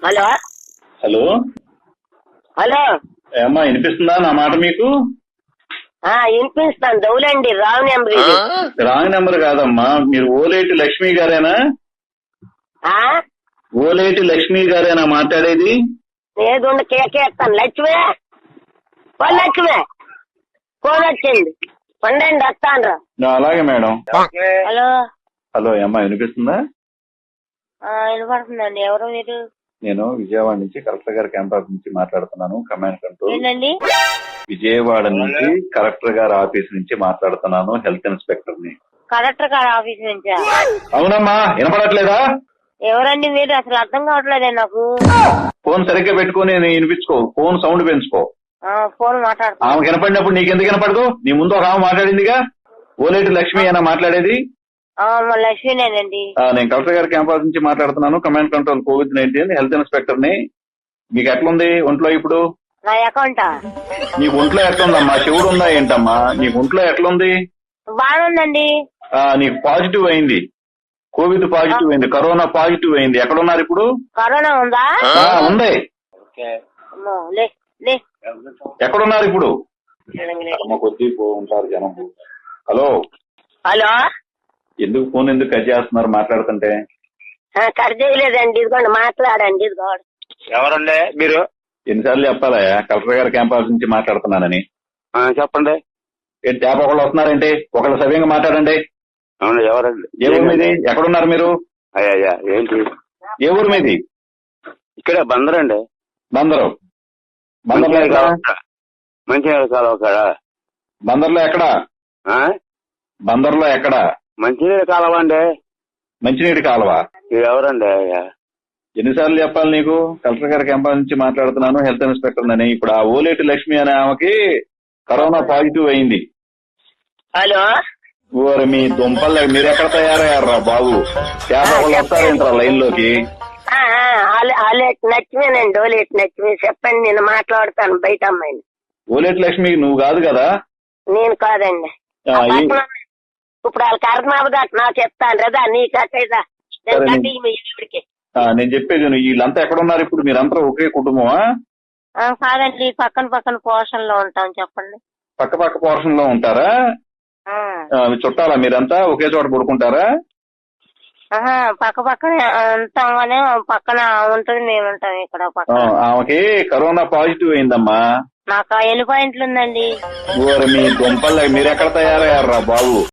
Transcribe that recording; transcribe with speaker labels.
Speaker 1: Hello
Speaker 2: hello
Speaker 1: hello
Speaker 2: ఏమ్మా వినిపిస్తుందా నా మాట మీకు?
Speaker 1: వినిపిస్తాను. దౌలండి రాంగ్ నెంబర్ ఇది.
Speaker 2: రాంగ్ నెంబర్ కాదమ్మా, మీరు ఓలేటి లక్ష్మి గారేనా? ఓలేటి లక్ష్మి గారేనా మాట్లాడేది?
Speaker 1: ఏదుండి కేకేస్తాను. లక్ష్మి లక్ష్మి ఫోన్ వచ్చింది, పండండి వస్తాను.
Speaker 2: అలాగే మేడం.
Speaker 1: హలో
Speaker 2: హలో ఏమ్మా వినిపిస్తుందా?
Speaker 1: వినపడుతుందండి. ఎవరు మీరు?
Speaker 2: నేను విజయవాడ నుంచి కలెక్టర్ గారి క్యాంపస్ నుంచి మాట్లాడుతున్నాను. Command control.
Speaker 1: ఏంటండి?
Speaker 2: విజయవాడ నుంచి కలెక్టర్ గారి ఆఫీస్ నుంచి మాట్లాడుతున్నాను. హెల్త్ ఇన్స్పెక్టర్ ని.
Speaker 1: కలెక్టర్ గారి ఆఫీస్ నుంచా?
Speaker 2: అవునమ్మా, వినపడట్లేదా?
Speaker 1: ఎవరండి మీరు? అసలు అర్థం కావట్లేదే నాకు.
Speaker 2: ఫోన్ సరిగ్గా పెట్టుకుని వినిపించుకో, ఫోన్ సౌండ్ పెంచుకో.
Speaker 1: ఫోన్ మాట్లాడుతున్నా.
Speaker 2: ఆమె వినపడినప్పుడు నీకెందుకు వినపడదు? నీ ముందు ఒక ఆమె మాట్లాడిందిగా. ఓలేటి లక్ష్మి అయినా మాట్లాడేది?
Speaker 1: లక్ష్మీనేనండి.
Speaker 2: నేను కలెక్టర్ గారి క్యాంపస్ నుంచి మాట్లాడుతున్నాను. Command control COVID-19 health inspector ని. మీకు ఎట్లుంది ఒంట్లో ఇప్పుడు?
Speaker 1: నా అకౌంటా?
Speaker 2: నీకు ఒంట్లో ఎట్లుందమ్మా? శివుడు ఉందా ఏంటమ్మా? నీకు ఒంట్లో ఎట్లుంది?
Speaker 1: బాగుందండి.
Speaker 2: నీకు పాజిటివ్ అయింది, కోవిడ్ పాజిటివ్ అయింది, కరోనా పాజిటివ్ అయింది. ఎక్కడున్నారు ఇప్పుడు?
Speaker 1: కరోనా ఉందా?
Speaker 2: ఉంది. ఎక్కడున్నారు ఇప్పుడు? కొద్ది ఉంటారు జనం. హలో
Speaker 1: హలో,
Speaker 2: ఎందుకు ఫోన్ ఎందుకు కట్ చేస్తున్నారు మాట్లాడుతుంటే?
Speaker 1: కట్ చేయలేదండి. ఇదిగోండి మాట్లాడండి. ఇదిగోండి.
Speaker 3: ఎవరండి మీరు?
Speaker 2: ఎన్నిసార్లు చెప్పాలా కలెక్టర్ గారి క్యాంపస్ నుంచి మాట్లాడుతున్నానని?
Speaker 3: చెప్పండి.
Speaker 2: ఏంటి ట్యాప్ ఒకళ్ళు వస్తున్నారంటే ఒకళ్ళు సవ్యంగా మాట్లాడండి.
Speaker 3: అవును, ఎవరండి?
Speaker 2: ఏ ఊరు మీది? ఎక్కడున్నారు మీరు?
Speaker 3: అయ్యా ఏంటి?
Speaker 2: ఏ ఊరు మీది?
Speaker 3: ఇక్కడ బందరండి.
Speaker 2: బందరు. బందర్లో ఎక్కడ?
Speaker 3: మంచినీళ్ళ కాలువ కాడ.
Speaker 2: బందర్లో ఎక్కడ? బందర్లో ఎక్కడ?
Speaker 3: మంచినీళ్ళ కాలువ అండి.
Speaker 2: మంచినీటి కాలువ.
Speaker 3: మీరు ఎవరండి?
Speaker 2: ఎన్నిసార్లు చెప్పాలి నీకు? కలెక్టర్ గారి క్యాంపస్ నుంచి మాట్లాడుతున్నాను, హెల్త్ ఇన్స్పెక్టర్ అని. ఇప్పుడు ఆ ఓలేటి లక్ష్మి అనే ఆమెకి కరోనా పాజిటివ్ అయింది.
Speaker 1: హలో,
Speaker 2: ఓరి మీ దుంపల్, మీరు ఎక్కడ తయారయ్యారా బాబు? వాళ్ళు వస్తారేంట్రా లైన్ లోకి?
Speaker 1: లక్ష్మీనండి. ఓలేటి లక్ష్మి. చెప్పండి, నేను మాట్లాడతాను బయట అమ్మాయిని.
Speaker 2: ఓలేటి లక్ష్మి నువ్వు కాదు కదా?
Speaker 1: నేను కాదండి. ఇప్పుడు వాళ్ళ కర్మాబు కట్టినా చెప్తాను కదా, నీ కట్టేదా?
Speaker 2: నేను చెప్పేది వీళ్ళంతా ఎక్కడున్నారు ఇప్పుడు? మీరంతా ఒకే కుటుంబమా?
Speaker 1: కాదండి, పక్కన పక్కన పోర్షన్ లో ఉంటాం. చెప్పండి.
Speaker 2: పక్క పక్క పోర్షన్ లో ఉంటారా? చుట్టాలా మీరంతా? ఒకే చోట పడుకుంటారా?
Speaker 1: పక్క పక్కన ఉంటాం కానీ పక్కన ఉంటుంది, మేము ఉంటాం ఇక్కడ పక్కన.
Speaker 2: ఆమెకి కరోనా పాజిటివ్ అయిందమ్మా.
Speaker 1: నాకు ఎన్ని పాయింట్లు ఉందండి?
Speaker 2: ఓరి మీ దుంపల్, మీరు ఎక్కడ తయారయ్యారా బాబు?